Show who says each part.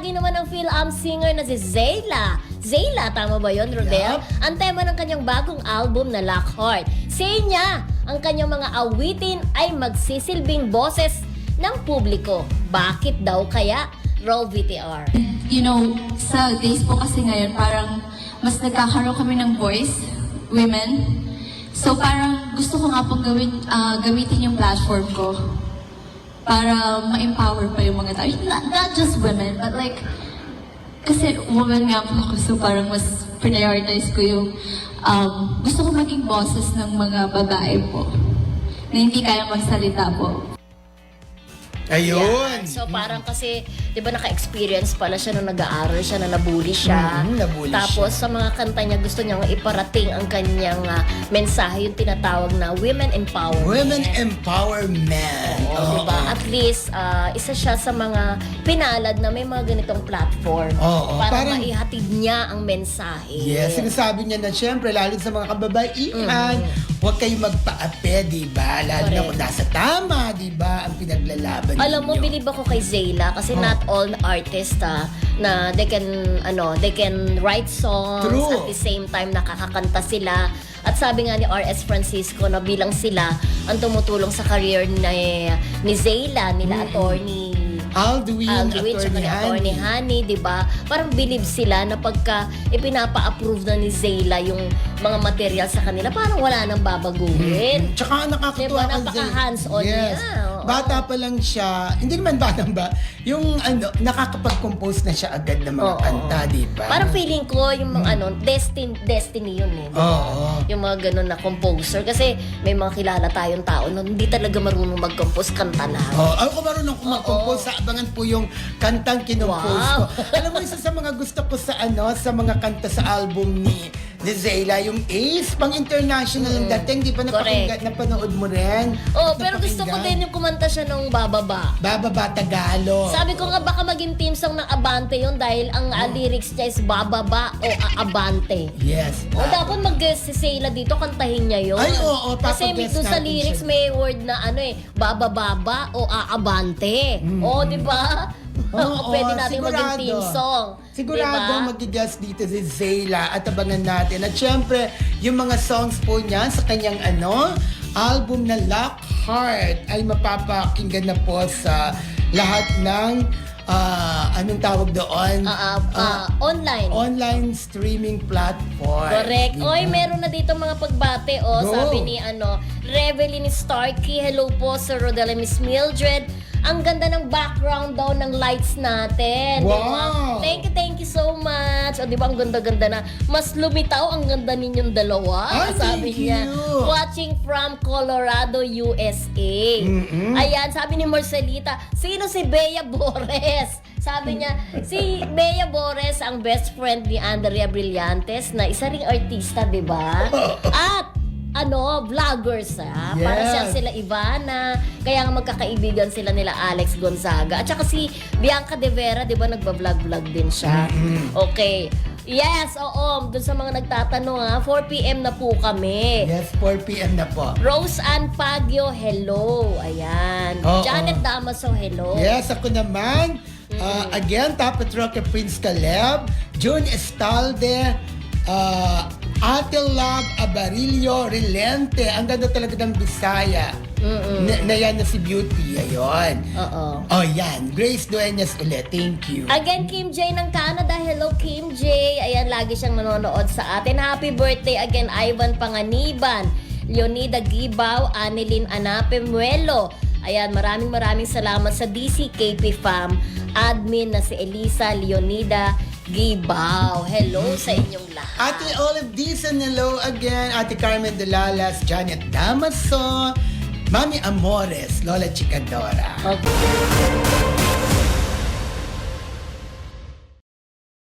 Speaker 1: Pogi naman ang Phil-Am singer na si Zayla. Zayla, tama ba yun, Rodel?
Speaker 2: Yup.
Speaker 1: Ang tema ng kanyang bagong album na Lockheart. Say niya, ang kanyang mga awitin ay magsisilbing boses ng publiko. Bakit daw kaya? Roll VTR.
Speaker 3: You know, sa days po kasi ngayon, parang mas nagkakaroon kami ng voice, women. So parang gusto ko nga pong gamitin yung platform ko para ma-empower pa yung mga tao. Not just women, but like, kasi woman nga po ako, so parang mas prioritize ko yung gusto ko maging boses ng mga babae po na hindi kaya magsalita po.
Speaker 2: Ayun.
Speaker 1: Yan. So parang kasi, di ba naka-experience pala siya nung nag-aaral siya na nabully siya.
Speaker 2: Nabully
Speaker 1: Tapos
Speaker 2: siya.
Speaker 1: sa mga kanta niya gusto niyang iparating ang kanyang mensahe, yung tinatawag na women empowerment.
Speaker 2: Women empowerment.
Speaker 1: Oo, diba? At least, isa siya sa mga pinalad na may mga ganitong platform
Speaker 2: Oo,
Speaker 1: para
Speaker 2: parang-
Speaker 1: maihatid niya ang mensahe.
Speaker 2: Yes, sinasabi niya na siyempre, lalo sa mga kababaihan, huwag kayong magpaape, di ba? Lalo na
Speaker 1: Correct.
Speaker 2: kung nasa tama, di ba? Ang pinaglalaban
Speaker 1: Alam mo,
Speaker 2: ninyo.
Speaker 1: believe ako kay Zayla kasi not all artists na they can write songs
Speaker 2: True.
Speaker 1: at the same time nakakakanta sila. At sabi nga ni R.S. Francisco na bilang sila ang tumutulong sa career ni Zayla, nila attorney
Speaker 2: Alduin,
Speaker 1: at Attorney Honey, di ba? Parang believe sila na pagka ipinapa-approve na ni Zayla yung mga material sa kanila, parang wala nang babaguhin.
Speaker 2: Tsaka nakakatuwa
Speaker 1: Diba?
Speaker 2: kasi.
Speaker 1: Napaka-hands-on niya. Oo.
Speaker 2: Bata pa lang siya, hindi naman batang ba, yung nakakapag-compose na siya agad ng mga
Speaker 1: Oo.
Speaker 2: kanta, di ba?
Speaker 1: Parang feeling ko yung mga destiny yun eh. Diba?
Speaker 2: Oo.
Speaker 1: Yung mga ganun na composer. Kasi may mga kilala tayong tao na hindi talaga marunong mag-compose, kanta lang.
Speaker 2: Ako marunong mag-compose, sa abangan po yung kantang kinompose
Speaker 1: Wow.
Speaker 2: ko. Alam mo, isa sa mga gusto ko sa sa mga kanta sa album ni Zayla, yung Ace, pang international yung dating, di ba
Speaker 1: Correct.
Speaker 2: napanood mo rin?
Speaker 1: Oh, pero gusto ko
Speaker 2: Napakinggan?
Speaker 1: din yung kumanta siya nung Bababa.
Speaker 2: Bababa Tagalog.
Speaker 1: Sabi ko nga baka maging theme song ng Abante yun dahil ang lyrics niya is Bababa o Abante.
Speaker 2: Yes.
Speaker 1: O dapat mag-sisela dito, kantahin niya yun.
Speaker 2: Ay, oo,
Speaker 1: Kasi
Speaker 2: papaguess
Speaker 1: doon sa
Speaker 2: natin
Speaker 1: lyrics
Speaker 2: siya.
Speaker 1: may word na Bababa o Aabante. O, di ba?
Speaker 2: Oo,
Speaker 1: Pwede natin maging
Speaker 2: sigurado.
Speaker 1: theme song.
Speaker 2: Sigurado
Speaker 1: Diba?
Speaker 2: magigas dito si Zayla at abangan natin. At syempre, yung mga songs po niya sa kanyang album na Lockheart ay mapapakinggan na po sa lahat ng anong tawag doon?
Speaker 1: Online.
Speaker 2: Online streaming platform.
Speaker 1: Correct.
Speaker 2: Diba?
Speaker 1: Oy, meron na dito mga pagbate. O,
Speaker 2: Go.
Speaker 1: sabi ni Revelyn Starkey. Hello po, Sir Rodel and Miss Mildred. Ang ganda ng background daw ng lights natin.
Speaker 2: Wow.
Speaker 1: Diba? Thank you so much. O, di ba ang ganda-ganda na. Mas lumitaw ang ganda ninyong dalawa.
Speaker 2: Ay,
Speaker 1: sabi
Speaker 2: thank
Speaker 1: niya.
Speaker 2: you.
Speaker 1: Watching from Colorado, USA. Ayan, sabi ni Marcelita, sino si Bea Bores? Sabi niya, si Bea Bores ang best friend ni Andrea Brillantes na isa ring artista, di ba? At vloggers para
Speaker 2: Yes.
Speaker 1: siya sila Ivana, kaya nga magkakaibigan sila nila Alex Gonzaga. At saka si Bianca De Vera, di ba nagba-vlog din siya? Okay. Yes, oo. Doon sa mga nagtatanong 4 p.m. na po kami.
Speaker 2: Yes, 4 p.m. na po.
Speaker 1: Rose Ann Pagio, hello. Ayan.
Speaker 2: Oo.
Speaker 1: Janet Damaso, hello.
Speaker 2: Yes, ako naman. Again, Tapet Roque Prince Caleb, June Estalde, Ate Love Abarillo Relente. Ang ganda talaga ng Bisaya. Na yan na si Beauty. Ayun.
Speaker 1: Oo.
Speaker 2: Oh, yan. Grace Dueñas ulit. Thank you.
Speaker 1: Again, Kim J ng Canada. Hello, Kim J. Ayan, lagi siyang nanonood sa atin. Happy birthday again, Ivan Panganiban, Leonida Gibaw, Annelyn Anape Muelo. Ayan, maraming salamat sa DCKP Fam admin na si Elisa Leonida Gibaw. Hello sa inyong lahat.
Speaker 2: Ate Olive Dizon, hello again. Ate Carmen Dulalas, Janet Damaso, Mami Amores, Lola Chicadora.
Speaker 1: Okay.